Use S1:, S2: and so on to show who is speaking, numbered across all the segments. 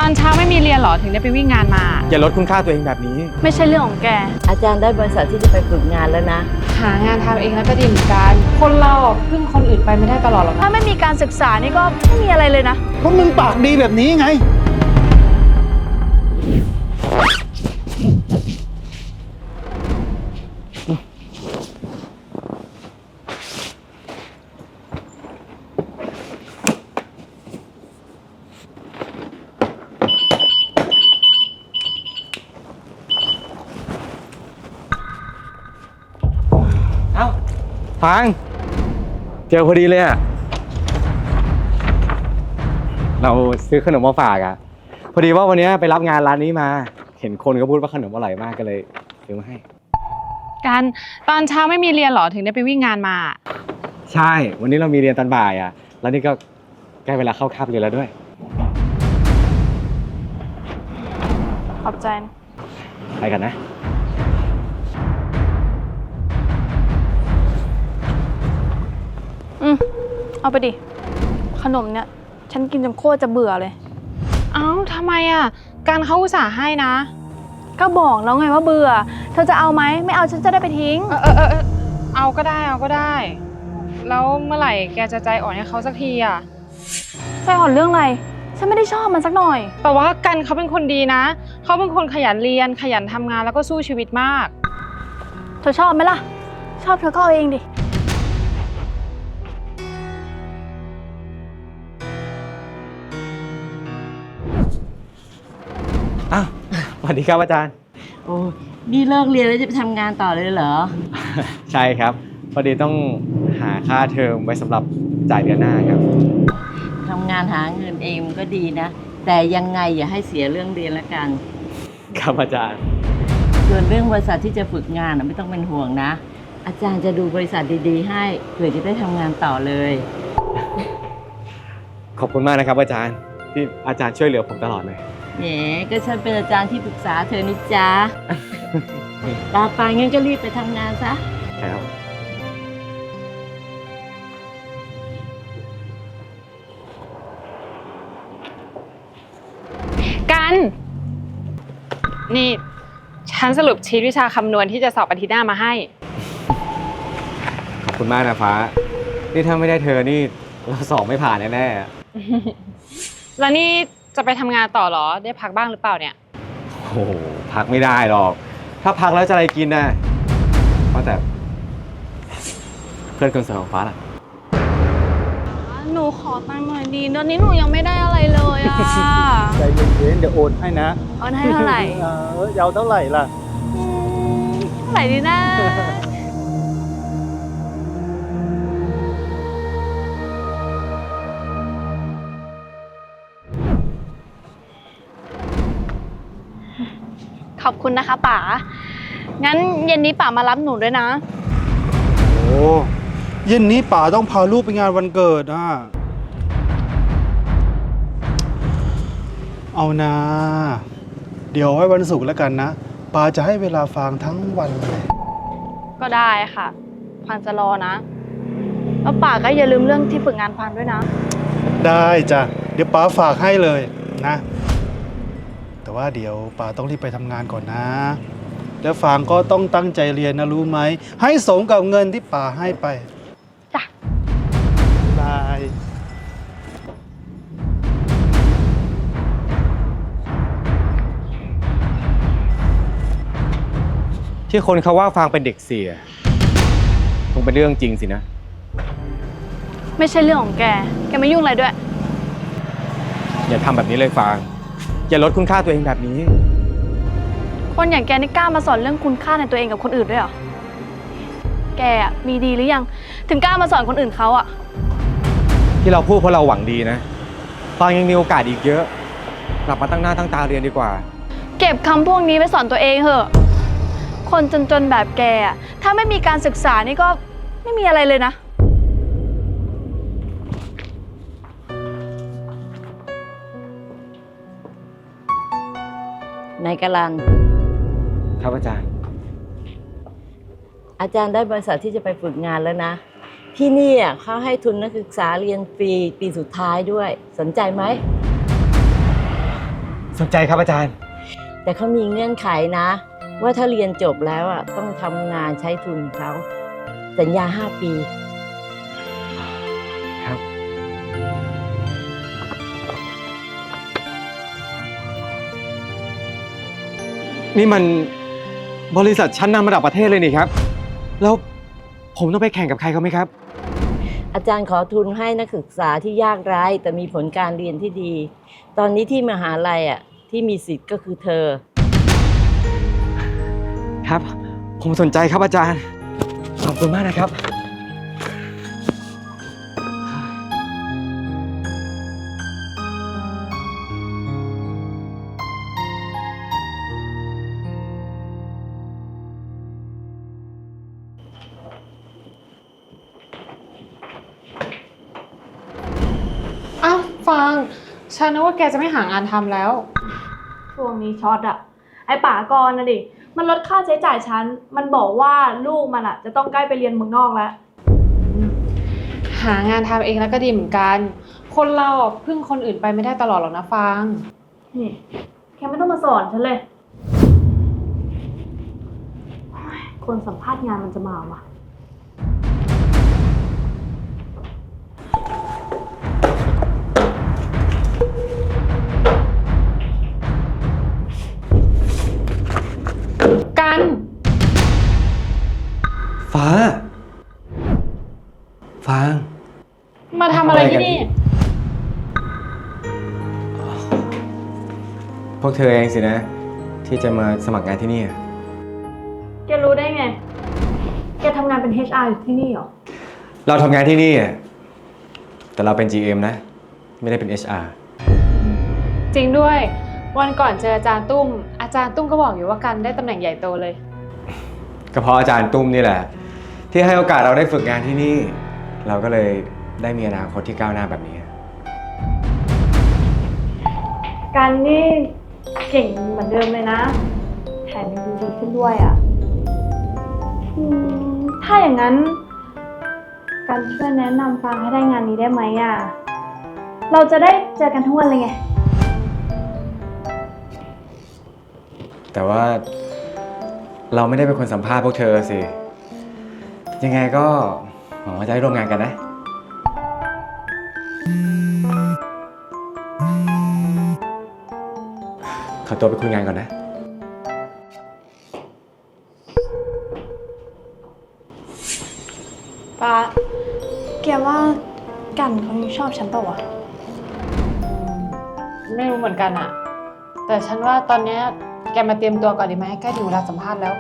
S1: อนเช้าไม่มีเรียนหรอถึงได้ไปวิ่งงานมา
S2: อย่าลดคุณค่าตัวเองแบบนี้
S1: ไม่ใช่เรื่องของแก
S3: อาจารย์ได้บริษัทที่จะไปฝึกงานแล้วนะ
S1: หางานทำเองแล้วก็ดีเหมือนกันคนเราพึ่งคนอื่นไปไม่ได้ตลอดหรอกถ้าไม่มีการศึกษานี่ก็ไม่มีอะไรเลยนะ
S4: เพราะมึงปากดีแบบนี้ไง
S2: ฟังเจอพอดีเลยอ่ะเราซื้อขนมมาฝากอ่ะพอดีว่าวันนี้ไปรับงานร้านนี้มาเห็นคนก็พูดว่าขนมอร่อยมากก็เลยซื้อมาให้
S1: กันตอนเช้าไม่มีเรียนหรอถึงได้ไปวิ่งงานมา
S2: ใช่วันนี้เรามีเรียนตอนบ่ายอ่ะแล้วนี่ก็ใกล้เวลาเข้าคาบเรียนแล้วด้วย
S1: ขอบใจนะ
S2: ไปกันนะ
S1: เอาไปดิขนมเนี่ยฉันกินจนโคตรจะเบื่อเลยเอ้าทำไมอ่ะการเขาอุตส่าห์ให้นะก็บอกแล้วไงว่าเบื่อเธอจะเอาไหมไม่เอาฉันจะได้ไปทิ้งเอาก็ได้เอาก็ได้แล้วเมื่อไหร่แกจะใจอ่อนให้เขาสักทีอ่ะใจอ่อนเรื่องอะไรฉันไม่ได้ชอบมันสักหน่อยแต่ว่ากันเขาเป็นคนดีนะเขาเป็นคนขยันเรียนขยันทำงานแล้วก็สู้ชีวิตมากเธอชอบไหมล่ะชอบเธอก็เอาเองดิ
S2: อ้าวสวัสดีครับอาจารย์
S3: โอ้นี่เลิกเรียนแล้วจะไปทำงานต่อเลยเหรอ
S2: ใช่ครับพอดีต้องหาค่าเทอมไว้สำหรับจ่ายเดือนหน้าครับ
S3: ทำงานหาเงินเองมันก็ดีนะแต่ยังไงอย่าให้เสียเรื่องเรียนละกัน
S2: ครับอาจารย์
S3: ส่วนเรื่องบริษัทที่จะฝึกงานไม่ต้องเป็นห่วงนะอาจารย์จะดูบริษัทดีๆให้เผื่อจะได้ทำงานต่อเลย
S2: ขอบคุณมากนะครับอาจารย์ที่อาจารย์ช่วยเหลือผมตลอดเลย
S3: แหมก็ฉันเป็นอาจารย์ที่ปรึกษาเธอนี่จ๊ะลาไปงั้นก็รีบไปทำงานซะ
S2: ครับ
S1: กันนี่ฉันสรุปชีทวิชาคำนวณที่จะสอบอาทิตย์หน้ามาให้
S2: ขอบคุณมากนะฟ้านี่ถ้าไม่ได้เธอนี่เราสอบไม่ผ่านแน่ๆ
S1: แล้วนี่จะไปทำงานต่อเหรอได้พักบ้างหรือเปล่าเนี่ย
S2: โอ้โหพักไม่ได้หรอกถ้าพักแล้วจะอะไรกินน่ะว่าแต่เพื่อนคนสนิทของฟ้าล่ะ
S1: หนูขอตังค์หน่อยดีตอนนี้หนูยังไม่ได้อะไรเลยอ่ะ
S4: ใจเย็นๆเดี๋ยวโอนให้นะ
S1: โอนให้เท่าไหร่
S4: ยาวเท่าไหร่ล่ะ
S1: เท่าไหร่ดีนะขอบคุณนะคะป๋างั้นเย็นนี้ป๋ามารับหนูด้วยนะ
S4: โอ้เย็นนี้ป๋าต้องพาลูกไปงานวันเกิดอ่ะเอานะเดี๋ยวไว้วันศุกร์แล้วกันนะป๋าจะให้เวลาฟางทั้งวันเลย
S1: ก็ได้ค่ะฟางจะรอนะแล้วป๋าก็อย่าลืมเรื่องที่ฝึกงานฟางด้วยนะ
S4: ได้จ้ะเดี๋ยวป๋าฝากให้เลยนะแต่ว่าเดี๋ยวป๋าต้องรีบไปทำงานก่อนนะแล้วฟางก็ต้องตั้งใจเรียนนะรู้ไหมให้สมกับเงินที่ป๋าให้ไป
S1: จ้ะ
S4: บาย
S2: ที่คนเขาว่าฟางเป็นเด็กเสียคงเป็นเรื่องจริงสินะ
S1: ไม่ใช่เรื่องของแกไม่ยุ่งอะไรด้วย
S2: อย่าทำแบบนี้เลยฟางอย่าลดคุณค่าตัวเองแบบนี้
S1: คนอย่างแกนี่กล้ามาสอนเรื่องคุณค่าในตัวเองกับคนอื่นด้วยเหรอแกมีดีหรือยังถึงกล้ามาสอนคนอื่นเขาอะ
S2: ที่เราพูดเพราะเราหวังดีนะฟางยังมีโอกาสอีกเยอะกลับมาตั้งหน้าตั้งตาเรียนดีกว่า
S1: เก็บคำพวกนี้ไว้สอนตัวเองเถอะคนจนๆแบบแกถ้าไม่มีการศึกษานี่ก็ไม่มีอะไรเลยนะ
S3: นายกลัน
S2: ครับอาจารย์
S3: อาจารย์ได้บริษัทที่จะไปฝึกงานแล้วนะที่นี่เขาให้ทุนนักศึกษาเรียนฟรีปีสุดท้ายด้วยสนใจไหม
S2: สนใจครับอาจารย์
S3: แต่เขามีเงื่อนไขนะ ว่าถ้าเรียนจบแล้วอ่ะต้องทำงานใช้ทุนของเขาสัญญา 5 ปี
S2: ครับ นี่มันบริษัทชั้นนำระดับประเทศเลยนี่ครับ แล้วผมต้องไปแข่งกับใครเขาไหมครับ
S3: อาจารย์ขอทุนให้นักศึกษาที่ยากไร้แต่มีผลการเรียนที่ดี ตอนนี้ที่มหาลัยอ่ะที่มีสิทธิ์ก็คือเธอ
S2: ครับ ผมสนใจครับอาจารย์ ขอบคุณมากนะครับ
S1: อ้าวฟางฉันนึกว่าแกจะไม่หางานทำแล้ว
S5: ช่วงนี้ช็อตอะไอ้ป๋ากรนะดิมันลดค่าใช้จ่ายฉันมันบอกว่าลูกมันอะจะต้องใกล้ไปเรียนเมืองนอกแล้ว
S1: หางานทำเองแล้วก็ดีเหมือนกัน คนเราพึ่งคนอื่นไปไม่ได้ตลอดหรอกนะฟาง
S5: นี่แกไม่ต้องมาสอนฉันเลยโอ๊ยคนสัมภาษณ์งานมันจะมาวะ
S1: กัน
S2: ฟ้า ฟาง
S1: มาทำอะไรที่นี่
S2: พวกเธอเองสินะ ที่จะมาสมัครงานที่นี่
S5: แกรู้ได้ไง แกทำงานเป็น HR อยู่ที่นี่เหรอ
S2: เราทำงานที่นี่แต่เราเป็น GM นะ ไม่ได้เป็น HR
S1: จริงด้วย วันก่อนเจออาจารย์ตุ้ม อาจารย์ตุ้มก็บอกอยู่ว่ากันได้ตำแหน่งใหญ่โตเลย
S2: ก็เพราะอาจารย์ตุ้มนี่แหละ ที่ให้โอกาสเราได้ฝึกงานที่นี่ เราก็เลยได้มีอนาคตที่ก้าวหน้าแบบนี้
S5: การนี่เก่งเหมือนเดิมเลยนะ แถมยังดูดีขึ้นด้วยอะถ้าอย่างนั้น การช่วยแนะนำฟางให้ได้งานนี้ได้ไหมอะเราจะได้เจอกันทุกวันเลยไง
S2: แต่ว่าเราไม่ได้เป็นคนสัมภาษณ์พวกเธอสิ ยังไงก็หวังว่าจะได้ร่วมงานกันนะ ขอตัวไปคุยงานก่อนนะ
S5: ป้าแกว่ากันเขายังชอบฉันเปล่าวะ
S1: ไม่รู้เหมือนกันอะแต่ฉันว่าตอนเนี้ยแกมาเตรียมตัวก่อนดีไหมใกล้ถึงเวลาสัมภาษณ์แล้ว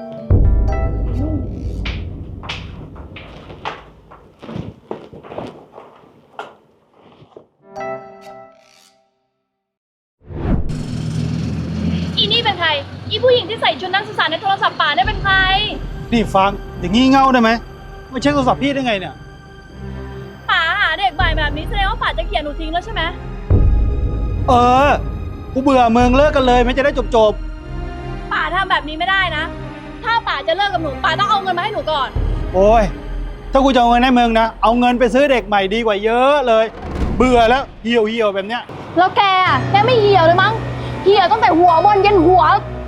S5: อีนี่เป็นใคร อีผู้หญิงที่ใส่ชุดนักศึกษาในโทรศัพท์ป่าเนี่ยเป็นใคร
S4: นี่ฟังอย่างงี้เง่าได้ไหมไม่เช็คโทรศัพท์พี่ได้ไงเนี่ย
S5: ป่าหาเด็กใหม่แบบนี้แสดงว่าป่าจะเกลียดหนูทิ้งแล้วใช่ไหม
S4: เออ กูเบื่อมึงเลิกกันเลยไม่จะได้จบ
S5: ป่าทำแบบนี้ไม่ได้นะ ถ้าป่าจะเลิกกับหนูป่าต้องเอาเงินมาให้หนูก่อน
S4: ๆ โอ้ย ถ้ากูจะเอาเงินให้มึงนะ เอาเงินไปซื้อเด็กใหม่ดีกว่าเยอะเลย เบื่อแล้วเหี่ยวแบบเนี้ย
S5: แล้วแกอะแกไม่เหี่ยวเลยมั้ง เหี่ยวตั้งแต่หัวบนยันหัว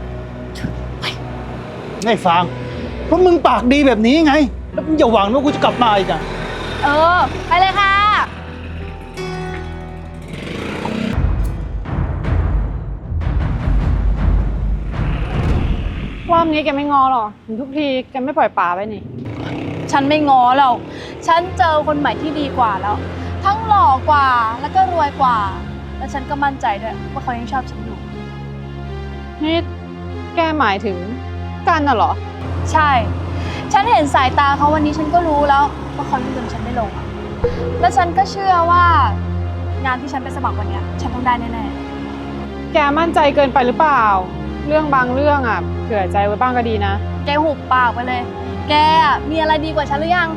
S4: ไงฟังเพราะมึงปากดีแบบนี้ไง แล้วมึงอย่าหวังว่ากูจะกลับมาอีกอ่ะ
S5: เออ ไปเลยค่ะ
S1: รอบนี้แกไม่งอหรอถึงทุกทีแกไม่ปล่อยป่าไปนี่
S5: ฉันไม่ง้อหรอกฉันเจอคนใหม่ที่ดีกว่าแล้ว ทั้งหล่อกว่าแล้วก็รวยกว่า แล้วฉันก็มั่นใจด้วยว่าเขายังชอบฉันอยู่
S1: นี่แกหมายถึงกันน่ะเหรอ
S5: ใช่ ฉันเห็นสายตาเขาวันนี้ฉันก็รู้แล้วว่าเขายังลืมฉันไม่ลงอะและฉันก็เชื่อว่างานที่ฉันไปสมัครวันเนี้ยฉันต้องได้แน่
S1: แกมั่นใจเกินไปหรือเปล่า เรื่องบางเรื่องอ่ะเผื่อใจไว้บ้างก็ดีนะ
S5: ๆ แกหุบปากไปเลย แกอะมีอะไรดีกว่าฉันหรือยัง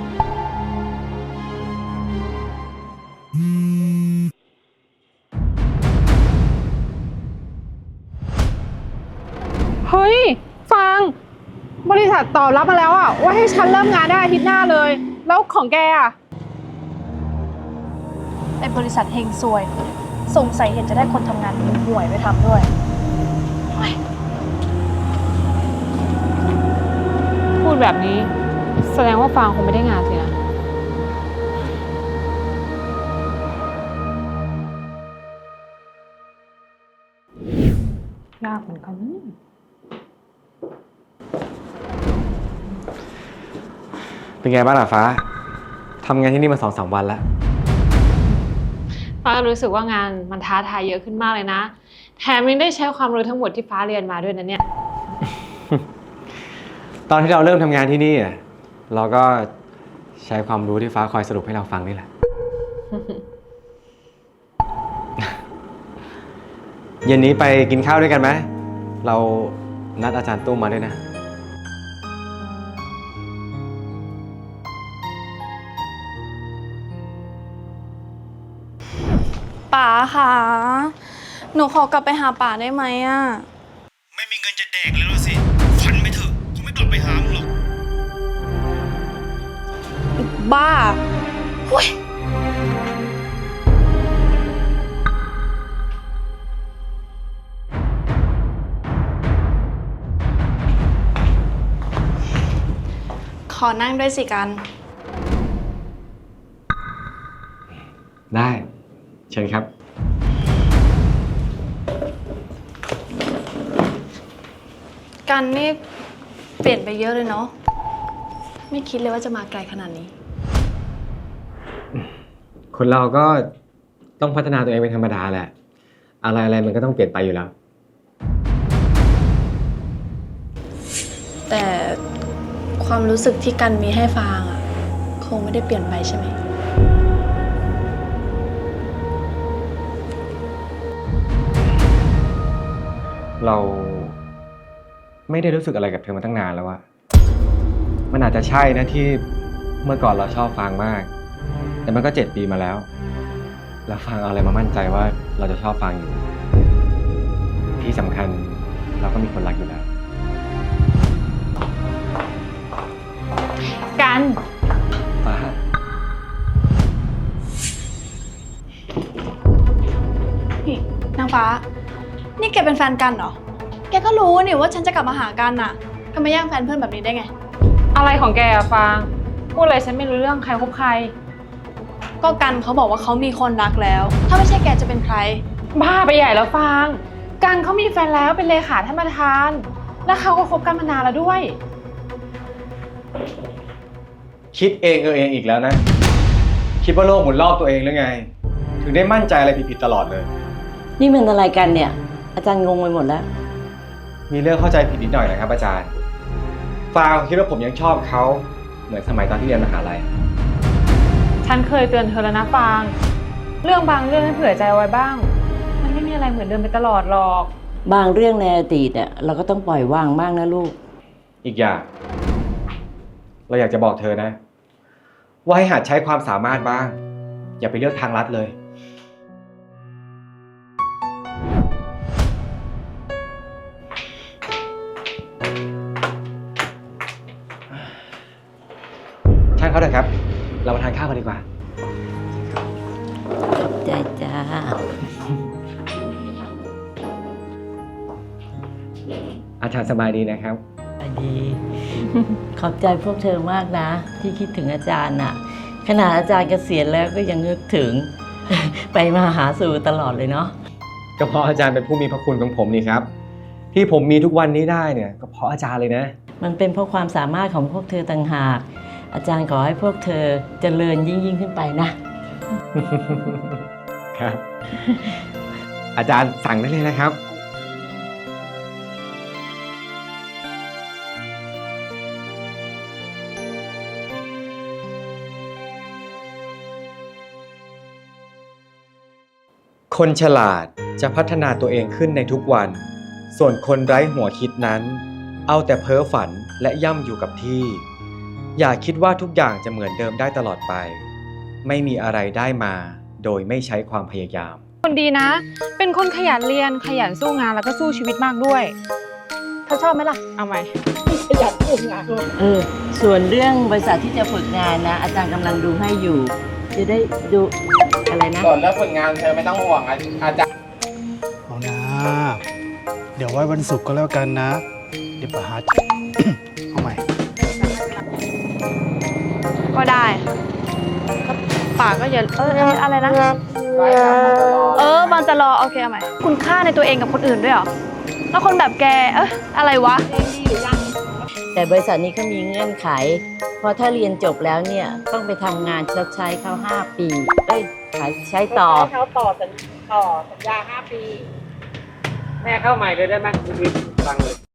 S1: เฮ้ยฟังบริษัทตอบรับมาแล้วอ่ะว่าให้ฉันเริ่มงานได้อาทิตย์หน้าเลย แล้วของแกอ่ะ
S5: ไอ้บริษัทเฮงซวยสงสัยเห็นจะได้คนทำงานห่วยๆไปทำด้วย
S1: พูดแบบนี้ แสดงว่าฟางคงไม่ได้งานสินะ ยากเหมือนกันนะ
S2: เป็นไงบ้างล่ะฟ้า ทำงานที่นี่มา2-3 วันแล้ว
S1: ฟ้ารู้สึกว่างานมันท้าทายเยอะขึ้นมากเลยนะ แถมยังได้ใช้ความรู้ทั้งหมดที่ฟ้าเรียนมาด้วยนะเนี่ย
S2: ตอนที่เราเริ่มทำงานที่นี่เราก็ใช้ความรู้ที่ฟ้าคอยสรุปให้เราฟังนี่แหละ เย็นนี้ไปกินข้าวด้วยกันไหม เรานัดอาจารย์ตุ้มมาด้วยนะ
S5: ป๋าค่ะ หนูขอกลับไปหาป๋าได้ไหมอะ
S4: ไม่มีเงินจะแดกเลยแล้วสิฝันไปเถอะเขาไม่กลับไปหามึงหรอก
S5: บ้าหุ้ยขอนั่งด้วยสิกัน
S2: ได้ เชิญครับ
S5: กันนี่เปลี่ยนไปเยอะเลยเนาะ ไม่คิดเลยว่าจะมาไกลขนาดนี้
S2: คนเราก็ต้องพัฒนาตัวเองเป็นธรรมดาแหละ อะไรมันก็ต้องเปลี่ยนไปอยู่แล้ว
S5: แต่ความรู้สึกที่กันมีให้ฟางอะคงไม่ได้เปลี่ยนไปใช่ไหม
S2: เราไม่ได้รู้สึกอะไรกับเธอมาตั้งนานแล้วอะมันอาจจะใช่นะที่เมื่อก่อนเราชอบฟางมาก แต่มันก็7 ปีมาแล้ว แล้วฟางเอาอะไรมามั่นใจว่าเราจะชอบฟางอยู่ ที่สำคัญเราก็มีคนรักอยู่แล้ว
S1: กัน
S2: ฟ้า
S5: นี่นางฟ้า นี่แกเป็นแฟนกันเหรอ แกก็รู้นี่ว่าฉันจะกลับมาหากันน่ะทำไมแย่งแฟนเพื่อนแบบนี้ได้ไง
S1: อะไรของแกอะฟาง พูดอะไรฉันไม่รู้เรื่องใครคบใคร
S5: ก็กันเขาบอกว่าเขามีคนรักแล้ว ถ้าไม่ใช่แกจะเป็นใคร
S1: บ้าไปใหญ่แล้วฟาง กันเขามีแฟนแล้วเป็นเลขาท่านประธาน แล้วเขาก็คบกันมานานแล้วด้วย
S2: คิดเองเองอีกแล้วนะ คิดว่าโลกหมุนรอบตัวเองหรือไง ถึงได้มั่นใจอะไรผิดๆตลอดเลย
S3: นี่มันอะไรกันเนี่ย อาจารย์งงไปหมดแล้ว
S2: มีเรื่องเข้าใจผิดนิดหน่อยนะครับอาจารย์ ฟางคิดว่าผมยังชอบเขาเหมือนสมัยตอนที่เรียนมหาลัย
S1: ฉันเคยเตือนเธอแล้วนะฟาง เรื่องบางเรื่องให้เผื่อใจเอาไว้บ้าง มันไม่มีอะไรเหมือนเดิมไปตลอดหรอก
S3: บางเรื่องในอดีตเนี่ยเราก็ต้องปล่อยวางบ้างนะลูก
S2: อีกอย่าง เราอยากจะบอกเธอนะ ว่าให้หัดใช้ความสามารถบ้าง อย่าไปเลือกทางลัดเลย ช่างเขาเถอะครับ เรามาทานข้าวกันดีกว่า
S3: ใจจ้า
S2: อาจารย์สบายดีนะครับ
S3: ดี ขอบใจพวกเธอมากนะ ที่คิดถึงอาจารย์น่ะ ขนาดอาจารย์เกษียณแล้วก็ยังนึกถึง ไปมาหาสู่ตลอดเลยเนาะ
S2: ก็เพราะอาจารย์เป็นผู้มีพระคุณของผมนี่ครับ ที่ผมมีทุกวันนี้ได้เนี่ยก็เพราะอาจารย์เลยนะ
S3: มันเป็นเพราะความสามารถของพวกเธอต่างหาก อาจารย์ขอให้พวกเธอเจริญยิ่งขึ้นไปนะ
S2: ครับ อาจารย์สั่งได้เลยนะครับ คนฉลาดจะพัฒนาตัวเองขึ้นในทุกวัน ส่วนคนไร้หัวคิดนั้น เอาแต่เพ้อฝันและย่ำอยู่กับที่ อย่าคิดว่าทุกอย่างจะเหมือนเดิมได้ตลอดไป ไม่มีอะไรได้มาโดยไม่ใช้ความพยายาม
S1: คนดีนะ เป็นคนขยันเรียน ขยันสู้งานแล้วก็สู้ชีวิตมากด้วย เธอชอบไหมล่ะ เอาไหม
S3: ส่วนเรื่องบริษัทที่จะฝึกงานนะ อาจารย์กำลังดูให้อยู่ จะได้ดูอะไรนะ
S6: ส่วนเรื่องผลงานเธอไม่ต้องห่วงอาจารย์
S4: เอานะ เดี๋ยวไว้วันศุกร์ก็แล้วกันนะ เดี๋ยวป๋าหา เอาใหม่
S1: ก็ได้ก็ป่าก็อย่าอะไรนะ บางจะรอโอเคเอาใหม่คุณค่าในตัวเองกับคนอื่นด้วยเหรอ แล้วคนแบบแกอะไรวะ
S3: แต่บริษัทนี้เขามีเงื่อนไข เพราะถ้าเรียนจบแล้วเนี่ยต้องไปทำงานชดใช้เขา5 ปีใช้ต่อ
S7: เขาต่อสัญญา 5 ปี แม่เข้าใหม่เลยได้ไหมฟังเลย